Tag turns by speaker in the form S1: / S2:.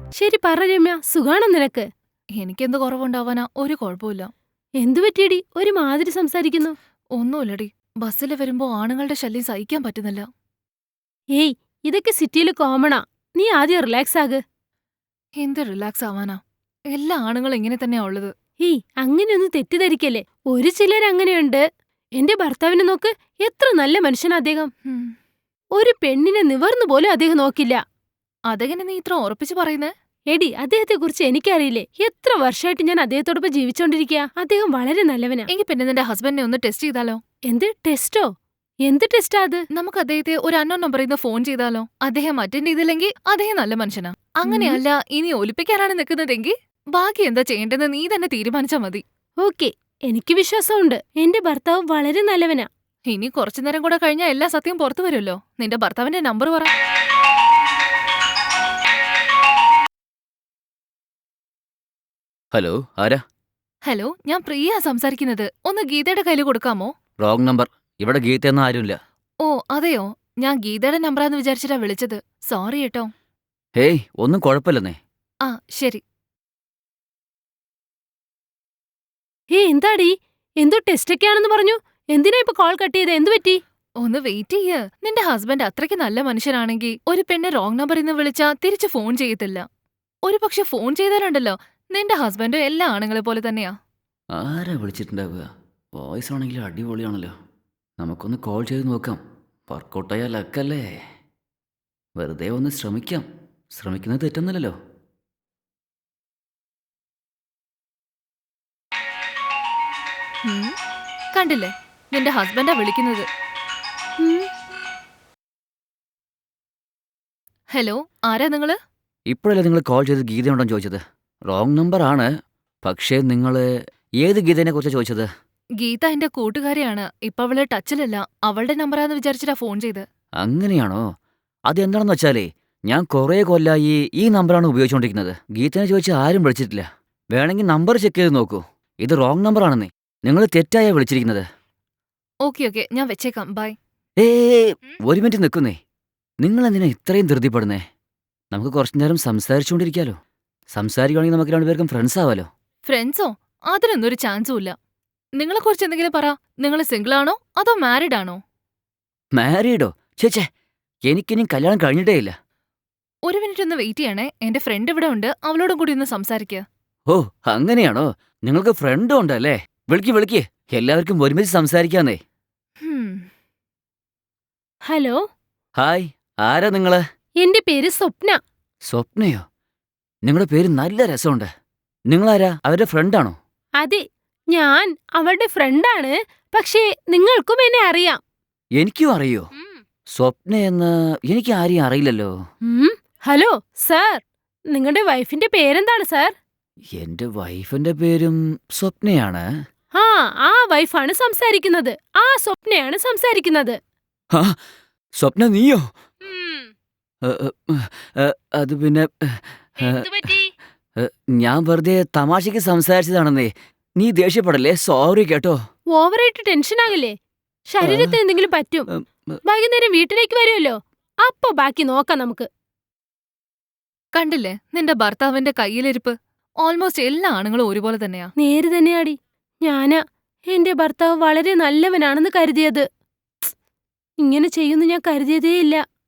S1: ശരി പറ രമ്യ, സുഖാണോ നിനക്ക്?
S2: എനിക്കെന്ത് കുറവുണ്ടാവാനാ? ഒരു കുഴപ്പമില്ല.
S1: എന്തു പറ്റിയടി ഒരു മാതിരി സംസാരിക്കുന്നു?
S2: ഒന്നുമില്ലടി. ബസ്സില് വരുമ്പോ ആണുങ്ങളുടെ ശല്യം സഹിക്കാൻ പറ്റുന്നില്ല.
S1: ഏയ്, ഇതൊക്കെ സിറ്റിയിൽ കോമണാ. നീ ആദ്യം റിലാക്സ് ആക്.
S2: എന്ത് റിലാക്സ് ആവാനാ? എല്ലാ ആണുങ്ങളും ഇങ്ങനെ തന്നെയാ ഉള്ളത്.
S1: ഏയ്, അങ്ങനെയൊന്നും തെറ്റിദ്ധരിക്കല്ലേ. ഒരു ചിലരങ്ങനെയുണ്ട്. എന്റെ ഭർത്താവിനെ നോക്ക്, എത്ര നല്ല മനുഷ്യനാ അദ്ദേഹം.
S2: ഹും.
S1: ഒരു പെണ്ണിനെ നിവർന്നു പോലും അദ്ദേഹം നോക്കില്ല.
S2: അതെങ്ങനെ നീ ഇത്ര ഉറപ്പിച്ച് പറയുന്നേ?
S1: എടി, അദ്ദേഹത്തെ കുറിച്ച് എനിക്കറിയില്ലേ. എത്ര വർഷമായിട്ട് ഞാൻ അദ്ദേഹത്തോടൊപ്പം ജീവിച്ചോണ്ടിരിക്കുക. അദ്ദേഹം വളരെ നല്ലവനാ.
S2: എങ്കിൽ പിന്നെ നിന്റെ ഹസ്ബൻഡിനെ ഒന്ന് ടെസ്റ്റ് ചെയ്താലോ?
S1: എന്ത് ടെസ്റ്റോ? എന്ത് ടെസ്റ്റാ അത്?
S2: നമുക്ക് അദ്ദേഹത്തെ ഒരു അൺനോൺ നമ്പറിൽ നിന്ന് ഫോൺ ചെയ്താലോ? അദ്ദേഹം അറ്റൻഡ് ചെയ്തില്ലെങ്കിൽ അദ്ദേഹം നല്ല മനുഷ്യനാ.
S1: ഉം.
S2: അങ്ങനെയല്ല ഇനി ഒലിപ്പിക്കാനാണ് നിൽക്കുന്നതെങ്കിൽ ബാക്കി എന്താ ചെയ്യേണ്ടതെന്ന് നീ തന്നെ തീരുമാനിച്ചാ മതി.
S1: ഓക്കെ, എനിക്ക് വിശ്വാസമുണ്ട്. എന്റെ ഭർത്താവ് വളരെ നല്ലവനാ.
S2: ഇനി കുറച്ചു നേരം കൂടെ കഴിഞ്ഞാൽ എല്ലാ സത്യം പുറത്തു വരുമല്ലോ. നിന്റെ ഭർത്താവിന്റെ നമ്പർ പറ.
S3: ഹലോ, ആരാ?
S2: ഹലോ, ഞാൻ പ്രിയ സംസാരിക്കുന്നത്. ഒന്ന് ഗീതയുടെ കയ്യിൽ കൊടുക്കാമോ?
S3: Wrong number. ഇവിടെ ഗീതയൊന്നും ആരുമില്ല.
S2: ഓ അതെയോ, ഞാൻ ഗീതയുടെ നമ്പറാന്ന് വിചാരിച്ചിട്ടാ വിളിച്ചത്. സോറി കേട്ടോ.
S3: ഹേയ്, ഒന്നും കുഴപ്പമില്ലെന്നേ.
S2: ആ ശരി.
S1: എന്താടി, എന്തോ ടെസ്റ്റൊക്കെയാണെന്ന് പറഞ്ഞു. എന്തിനാ ഇപ്പൊ കോൾ കട്ട് ചെയ്ത്? എന്തു പറ്റി?
S2: ഒന്ന് വെയിറ്റ് ചെയ്യ്. നിന്റെ ഹസ്ബൻഡ് അത്രയ്ക്ക് നല്ല മനുഷ്യനാണെങ്കിൽ ഒരു പെണ്ണ് റോങ് നമ്പറിൽ നിന്ന് വിളിച്ചാ തിരിച്ച് ഫോൺ ചെയ്യത്തില്ല. ഒരു പക്ഷെ ഫോൺ ചെയ്താലുണ്ടല്ലോ, നിന്റെ ഹസ്ബൻഡ് എല്ലാ ആണുങ്ങളെ പോലെ തന്നെയാ.
S3: ആരാ വിളിച്ചിട്ടുണ്ടാവുക? വോയിസ് ആണെങ്കിലും അടിപൊളിയാണല്ലോ. നമുക്കൊന്ന് കോൾ ചെയ്ത് നോക്കാം. വർക്കൗട്ടായ ലക്കല്ലേ. വെറുതെ ഒന്ന് ശ്രമിക്കാം. ശ്രമിക്കുന്നത് തെറ്റൊന്നുമില്ലല്ലോ.
S2: ഉം. കണ്ടില്ലേ, നിന്റെ ഹസ്ബൻഡാ വിളിക്കുന്നത്.
S1: ഉം.
S2: ഹലോ, ആരാ നിങ്ങള്?
S3: ഇപ്പോഴല്ലേ നിങ്ങൾ കോൾ ചെയ്ത് ഗീതയുണ്ടോന്ന് ചോദിച്ചത്? റോങ് നമ്പർ ആണ്. പക്ഷേ നിങ്ങൾ ഏത് ഗീതേനെ കുറിച്ചാണ് ചോദിച്ചത്?
S2: ഗീത എന്റെ കൂട്ടുകാരിയാണ്. ഇപ്പൊ അവള് ടച്ചിലല്ല. അവളുടെ നമ്പറാന്ന് വിചാരിച്ചിട്ടാ ഫോൺ ചെയ്ത്.
S3: അങ്ങനെയാണോ? അതെന്താണെന്ന് വെച്ചാലേ, ഞാൻ കുറേ കൊല്ലായി ഈ നമ്പറാണ് ഉപയോഗിച്ചുകൊണ്ടിരിക്കുന്നത്. ഗീതനെ ചോദിച്ചാൽ ആരും വിളിച്ചിട്ടില്ല. വേണമെങ്കിൽ നമ്പർ ചെക്ക് ചെയ്ത് നോക്കൂ. ഇത് റോങ് നമ്പറാണെന്നേ. നിങ്ങൾ തെറ്റായാ വിളിച്ചിരിക്കുന്നത്.
S2: ഓക്കെ ഓക്കെ, ഞാൻ വെച്ചേക്കാം. ബൈ.
S3: ഒരു മിനിറ്റ് നിൽക്കുന്നേ. നിങ്ങളെന്തിനാ ഇത്രയും ധൃതിപ്പെടുന്നേ? നമുക്ക് കുറച്ചു നേരം സംസാരിച്ചുകൊണ്ടിരിക്കാലോ. സംസാരിക്കുകയാണെങ്കിൽ നമുക്ക് രണ്ടുപേർക്കും ഫ്രണ്ട്സ് ആവാലോ.
S2: ഫ്രണ്ട്സോ? അതിനൊന്നും ഒരു ചാൻസും ഇല്ല. നിങ്ങളെക്കുറിച്ച് എന്തെങ്കിലും പറ. നിങ്ങൾ സിംഗിൾ ആണോ അതോ മാരിഡ് ആണോ?
S3: മാരീഡോ? ചേച്ചേ, എനിക്കിനി കല്യാണം കഴിഞ്ഞിട്ടേ ഇല്ല.
S2: ഒരു മിനിറ്റ് ഒന്ന് വെയിറ്റ് ചെയ്യണേ. എന്റെ ഫ്രണ്ട് ഇവിടെ ഉണ്ട്. അവളോടും കൂടി ഒന്ന് സംസാരിക്കുക.
S3: ഓ, അങ്ങനെയാണോ? നിങ്ങൾക്ക് ഫ്രണ്ടും ഉണ്ടല്ലേ? വിളിക്ക് വിളിക്ക്. എല്ലാവർക്കും ഒരുമിച്ച് സംസാരിക്കാന്നേ.
S1: ഹലോ,
S3: ഹായ്, ആരാ നിങ്ങള്?
S1: എന്റെ പേര് സ്വപ്ന.
S3: സ്വപ്നയോ? നിങ്ങളുടെ പേര് നല്ല രസമുണ്ട്. നിങ്ങളാരാ? അവരുടെ ഫ്രണ്ടാണോ?
S1: അതെ, ഞാൻ അവളുടെ ഫ്രണ്ടാണ്. പക്ഷേ നിങ്ങൾക്കും എന്നെ അറിയാം.
S3: എനിക്കും അറിയോ? സ്വപ്നയെന്ന് എനിക്ക് ആരെയും അറിയില്ലല്ലോ.
S1: ഹലോ സാർ, നിങ്ങളുടെ വൈഫിന്റെ പേരെന്താണ് സാർ?
S3: എന്റെ വൈഫിന്റെ പേരും സ്വപ്നയാണ്.
S1: ആ വൈഫാണ് സംസാരിക്കുന്നത്. ആ സ്വപ്നയാണ് സംസാരിക്കുന്നത്.
S3: ആ, സ്വപ്ന നീയോ? ഏ, ഏ, അത് പിന്നെ ഞാൻ വെറുതെ തമാശയ്ക്ക് സംസാരിച്ചതാണെന്നേ. നീ ദേഷ്യപ്പെടല്ലേ. സോറി കേട്ടോ.
S1: ഓവറായിട്ട് ടെൻഷൻ ആകല്ലേ. ശരീരത്തിന് എന്തെങ്കിലും പറ്റും. വൈകുന്നേരം വീട്ടിലേക്ക് വരുമല്ലോ, അപ്പൊ ബാക്കി നോക്കാം നമുക്ക്.
S2: കണ്ടില്ലേ നിന്റെ ഭർത്താവിന്റെ കയ്യിലിരിപ്പ്? ഓൾമോസ്റ്റ് എല്ലാ ആണുങ്ങളും ഒരുപോലെ തന്നെയാ.
S1: നേര് തന്നെയാടി. ഞാനാ എന്റെ ഭർത്താവ് വളരെ നല്ലവനാണെന്ന് കരുതിയത്. ഇങ്ങനെ ചെയ്യുന്നു ഞാൻ കരുതിയതേയില്ല.